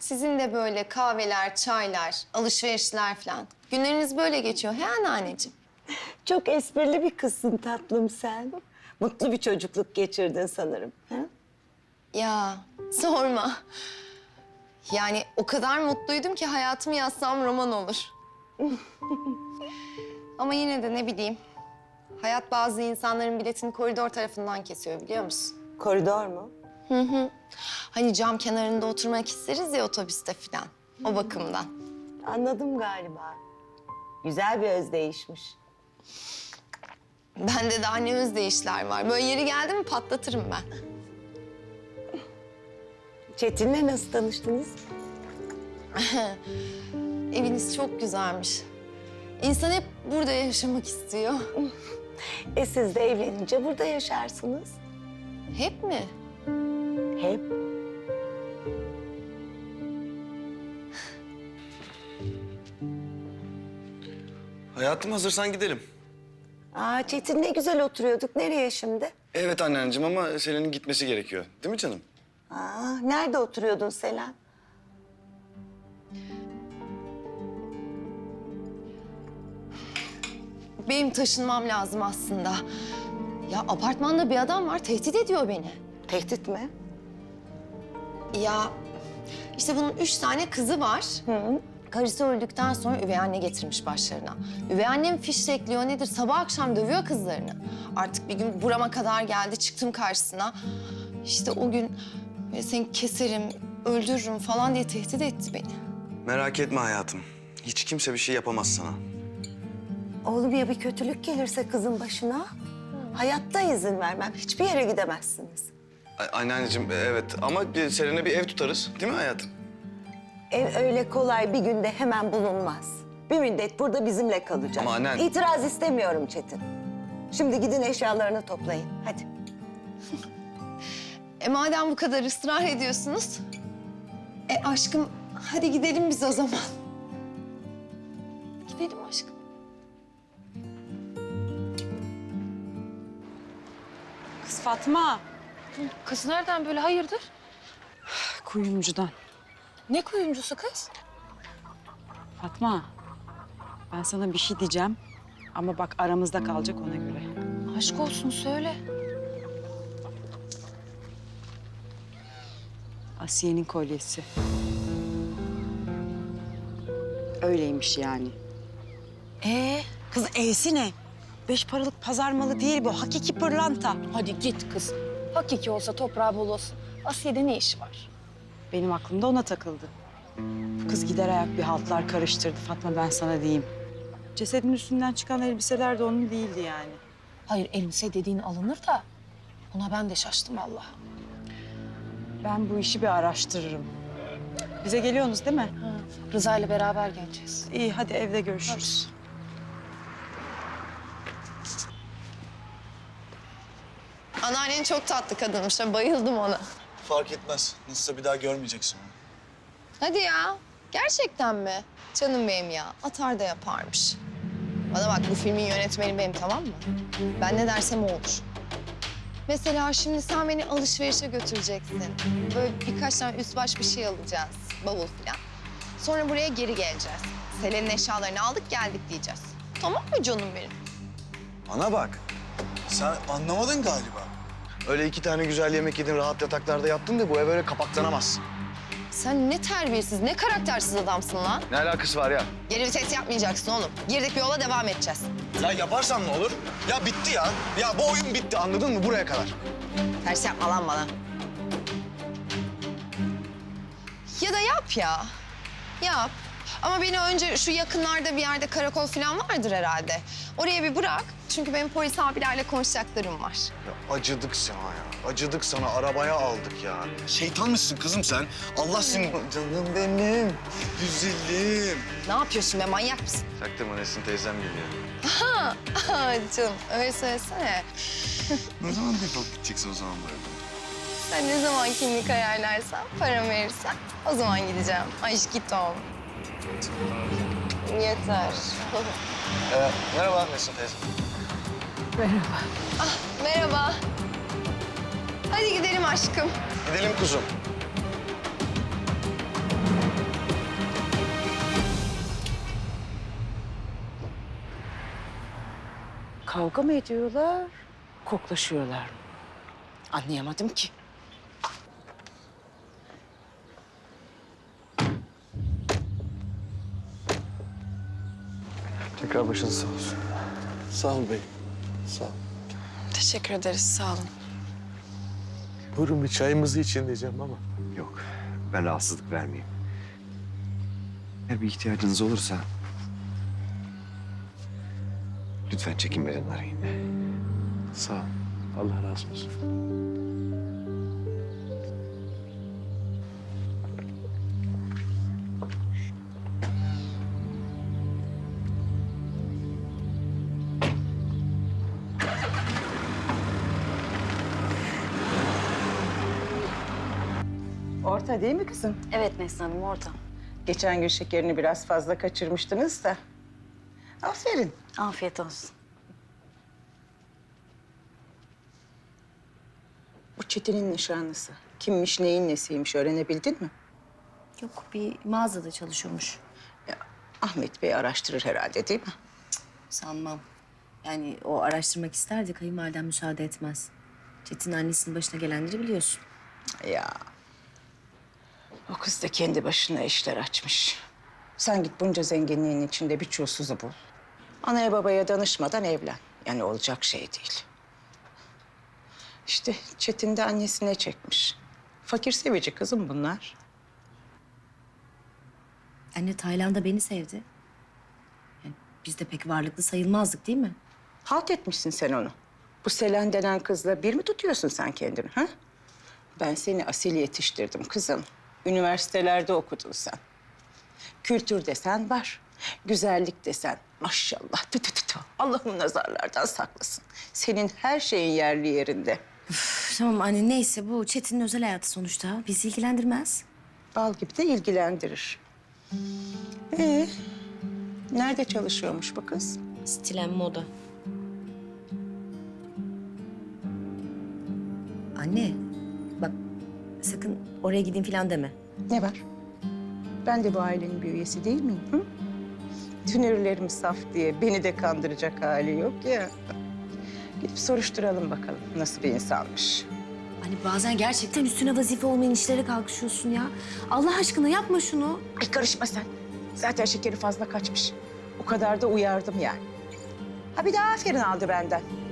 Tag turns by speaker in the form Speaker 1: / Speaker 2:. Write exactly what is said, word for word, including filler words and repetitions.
Speaker 1: Sizin de böyle kahveler, çaylar, alışverişler falan. Günleriniz böyle geçiyor he anneanneciğim?
Speaker 2: Çok esprili bir kızsın tatlım sen. Mutlu bir çocukluk geçirdin sanırım. Ha?
Speaker 1: Ya sorma. Yani o kadar mutluydum ki hayatımı yazsam roman olur. Ama yine de ne bileyim. Hayat bazı insanların biletini koridor tarafından kesiyor biliyor musun?
Speaker 2: Koridor mu?
Speaker 1: Hı hı. Hani cam kenarında oturmak isteriz ya otobüste falan. O bakımdan.
Speaker 2: Anladım galiba. Güzel bir özdeyişmiş.
Speaker 1: Bende daha ne özdeyişler var. Böyle yeri geldi mi patlatırım ben.
Speaker 2: Çetin'le nasıl tanıştınız?
Speaker 1: Eviniz çok güzelmiş. İnsan hep burada yaşamak istiyor.
Speaker 2: E siz de evlenince burada yaşarsınız.
Speaker 1: Hep mi?
Speaker 2: Hep.
Speaker 3: Hayatım hazırsan gidelim.
Speaker 2: Aa Çetin ne güzel oturuyorduk. Nereye şimdi?
Speaker 3: Evet anneciğim ama Selen'in gitmesi gerekiyor. Değil mi canım?
Speaker 2: Aa nerede oturuyordun Selen?
Speaker 1: Benim taşınmam lazım aslında. Ya apartmanda bir adam var, tehdit ediyor beni.
Speaker 2: Tehdit mi?
Speaker 1: Ya işte bunun üç tane kızı var.
Speaker 2: Hı.
Speaker 1: Karısı öldükten sonra üvey anne getirmiş başlarına. Üvey annem fişekliyor nedir? Sabah akşam dövüyor kızlarını. Artık bir gün burama kadar geldi, çıktım karşısına. İşte o gün "E, seni keserim, öldürürüm falan diye tehdit etti beni.
Speaker 3: Merak etme hayatım. Hiç kimse bir şey yapamaz sana.
Speaker 2: Oğlum ya bir kötülük gelirse kızın başına? Hayatta izin vermem. Hiçbir yere gidemezsiniz.
Speaker 3: A- Anneanneciğim evet ama bir Selen'e bir ev tutarız. Değil mi hayatım?
Speaker 2: Ev öyle kolay bir günde hemen bulunmaz. Bir müddet burada bizimle kalacak.
Speaker 3: Ama annen-
Speaker 2: İtiraz istemiyorum Çetin. Şimdi gidin eşyalarını toplayın. Hadi.
Speaker 1: E madem bu kadar ısrar ediyorsunuz... E aşkım hadi gidelim biz o zaman. Gidelim aşkım.
Speaker 4: Kız Fatma,
Speaker 5: Kız nereden böyle hayırdır?
Speaker 4: kuyumcudan.
Speaker 5: Ne kuyumcusu kız?
Speaker 4: Fatma, ben sana bir şey diyeceğim ama bak aramızda kalacak ona göre.
Speaker 5: Aşk olsun söyle.
Speaker 4: Asiye'nin kolyesi. Öyleymiş yani.
Speaker 5: Ee,
Speaker 4: Kız E'si ne? Beş paralık pazar malı değil bu, hakiki pırlanta.
Speaker 5: hadi git kız. Hakiki olsa toprağı bol olsun. Asiye'de ne işi var?
Speaker 4: Benim aklımda ona takıldı. Bu kız gider ayak bir haltlar karıştırdı Fatma, ben sana diyeyim. Cesedin üstünden çıkan elbiseler de onun değildi yani.
Speaker 5: Hayır elbise dediğin alınır da ona ben de şaştım vallahi.
Speaker 4: Ben bu işi bir araştırırım. Bize geliyorsunuz değil mi?
Speaker 5: Ha, Rıza ile beraber geleceğiz.
Speaker 4: İyi, hadi evde görüşürüz.
Speaker 1: Anneannen çok tatlı kadınmış. ha, Bayıldım ona.
Speaker 3: Fark etmez. Nasılsa bir daha görmeyeceksin onu.
Speaker 1: Hadi ya. Gerçekten mi? Canım benim ya. Atar da yaparmış. Bana bak bu filmin yönetmeni benim tamam mı? Ben ne dersem o olur. Mesela şimdi sen beni alışverişe götüreceksin. Böyle birkaç tane üst baş bir şey alacağız. Bavul falan. Sonra buraya geri geleceğiz. Selen'in eşyalarını aldık geldik diyeceğiz. Tamam mı canım benim?
Speaker 3: Bana bak. Sen anlamadın galiba. Öyle iki tane güzel yemek yedin, rahat yataklarda yattın da bu ev öyle kapaklanamaz.
Speaker 1: Sen ne terbiyesiz, ne karaktersiz adamsın lan.
Speaker 3: Ne alakası var ya?
Speaker 1: Geri vites yapmayacaksın oğlum. Girdik bir yola devam edeceğiz.
Speaker 3: Ya yaparsan ne olur? Ya bitti ya. Ya bu oyun bitti anladın mı buraya kadar?
Speaker 1: Ters yapma lan bana. Ya da yap ya. Yap. Ama beni önce şu yakınlarda bir yerde karakol falan vardır herhalde. Oraya bir bırak. Çünkü benim polis abilerle konuşacaklarım var.
Speaker 3: Ya acıdık sana ya. Acıdık sana. Arabaya aldık ya. Şeytan mısın kızım sen? Allah seni... Canım benim. Güzelim.
Speaker 1: Ne yapıyorsun be manyak mısın?
Speaker 3: Çaktırma Nesin teyzem geliyor.
Speaker 1: Ha, canım öyle söylesene.
Speaker 3: Ne zaman defolup gideceksin o zaman böyle?
Speaker 1: Sen ne zaman kimlik ayarlarsan, paramı verirsen o zaman gideceğim. Aşk git oğlum. Yeter.
Speaker 3: Ee, merhaba Nesin teyze.
Speaker 1: Ah, merhaba. Hadi gidelim aşkım.
Speaker 3: Gidelim kuzum.
Speaker 4: Kavga mı ediyorlar, koklaşıyorlar mı? Anlayamadım ki.
Speaker 6: Tekrar başınız sağ olsun. Sağ ol bey. Sağ ol.
Speaker 1: Teşekkür ederiz, sağ olun.
Speaker 6: Buyurun bir çayımızı için diyeceğim ama.
Speaker 7: Yok, ben rahatsızlık vermeyeyim. Eğer bir ihtiyacınız olursa... lütfen çekinmeden arayın.
Speaker 6: Sağ ol. Allah razı olsun.
Speaker 4: Orta değil mi kızım?
Speaker 8: Evet Neslihan Hanım orada.
Speaker 4: Geçen gün şekerini biraz fazla kaçırmıştınız da. Aferin.
Speaker 8: Afiyet olsun.
Speaker 4: Bu Çetin'in nişanlısı. Kimmiş, neyin nesiymiş öğrenebildin mi?
Speaker 8: Yok bir mağazada çalışıyormuş.
Speaker 4: Ya, Ahmet Bey araştırır herhalde değil mi?
Speaker 8: Sanmam. Yani o araştırmak isterdi kayınvaliden müsaade etmez. Çetin annesinin başına gelenleri biliyorsun.
Speaker 4: Ya. O kız da kendi başına işler açmış. Sen git bunca zenginliğin içinde bir çulsuzu bul. Anaya babaya danışmadan evlen. Yani olacak şey değil. İşte Çetin de annesine çekmiş. Fakir sevici kızım bunlar.
Speaker 8: Anne Tayland'da beni sevdi. Yani biz de pek varlıklı sayılmazdık değil mi?
Speaker 4: Halt etmişsin sen onu. Bu Selen denen kızla bir mi tutuyorsun sen kendini ha? Ben seni asil yetiştirdim kızım. Üniversitelerde okudun sen. Kültür desen var. Güzellik desen maşallah. Tü tü tü tü. Allah'ım nazarlardan saklasın. Senin her şeyin yerli yerinde.
Speaker 8: Üf, tamam anne neyse bu Çetin'in özel hayatı sonuçta. Bizi ilgilendirmez.
Speaker 4: Bal gibi de ilgilendirir. Ee, nerede çalışıyormuş bu kız?
Speaker 8: Stilen moda. Anne bak sakın oraya gideyim falan deme.
Speaker 4: Ne var? Ben de bu ailenin bir üyesi değil miyim? Hı? Tünürlerim saf diye beni de kandıracak hali yok ya. Gidip soruşturalım bakalım nasıl bir insanmış.
Speaker 8: Hani bazen gerçekten üstüne vazife olmayan işlere kalkışıyorsun ya. Allah aşkına yapma şunu.
Speaker 4: Ay karışma sen. Zaten şekeri fazla kaçmış. O kadar da uyardım yani. Ha bir de aferin aldı benden.